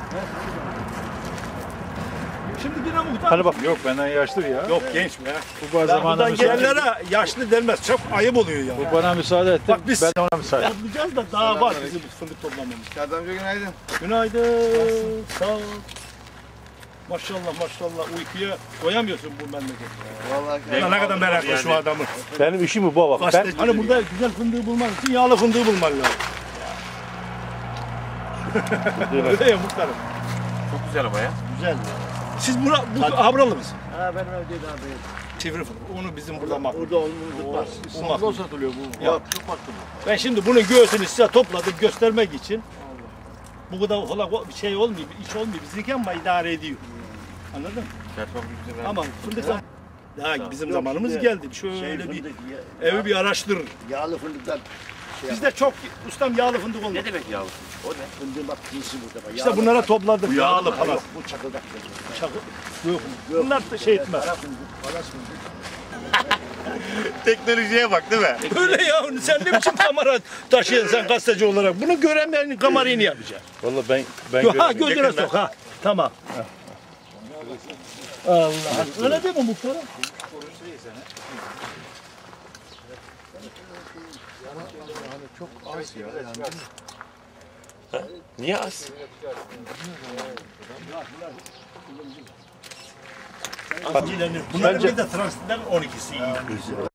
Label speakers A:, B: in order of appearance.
A: Şimdi yine muhtar.
B: Hani bak. Yok benden yaşlı ya.
A: Yok genç mi ya?
B: Bu zamanında
A: Gençlere yaşlı denmez. Çok ayıp oluyor ya.
B: Bu bana müsaade etti.
A: Bak biz
B: ben de ona müsaade.
A: yapacağız da daha var bizim fındık toplamamız.
C: Serdar amca günaydın.
A: Günaydın. Sağ ol. Maşallah maşallah uykuya doyamıyorsun bu memlekette.
C: Vallahi
A: Ne kadar meraklı şu adamı.
B: Benim işim bu baba. Ben
A: Hani burada güzel fındığı bulman için yağlı fındığı bulman lazım. Öyle ya muhtarım.
D: Çok güzel ama ya.
A: Güzel. Siz bu Havralı mısın?
E: Ha benim evdeydi abi.
A: Sivri fındık. Onu bizim burada makbul.
E: Burada olmalı var.
A: İstanbul'da
E: satılıyor bu.
A: Yok, çok makbul. Ben şimdi bunun göğsünü size topladım göstermek için. Bu kadar falan bir şey olmuyor, bir iş olmuyor. Bizdeki ama idare ediyor. Anladın mı? Ama fındık daha bizim zamanımız geldi. Şöyle bir evi bir araştırır.
E: Yağlı fındıklar.
A: Bizde çok ustam yağlı fındık oldu.
D: Ne demek yavrum? O ne?
E: Fındığın bak cinsi burada. Bak.
A: İşte bunlara topladım. Yağlı falan.
E: Yok, bu çakıldak.
A: Çakı. Yok. Bunlar da şey etmez.
E: Kara fındık, palas fındık.
D: Teknolojiye bak değil mi?
A: Öyle ya. Sen ne biçim kamera taşıyorsun sen gazeteci olarak? Bunu göremeyenin kamerayı yapacaksın.
B: Vallahi ben
A: Ha
B: göremiyorum.
A: gözüne sok ha. Tamam. Allah. Öyle değil mi muhtarım?
D: Niye az?
A: Bunların bir de transitler 12'si iyi.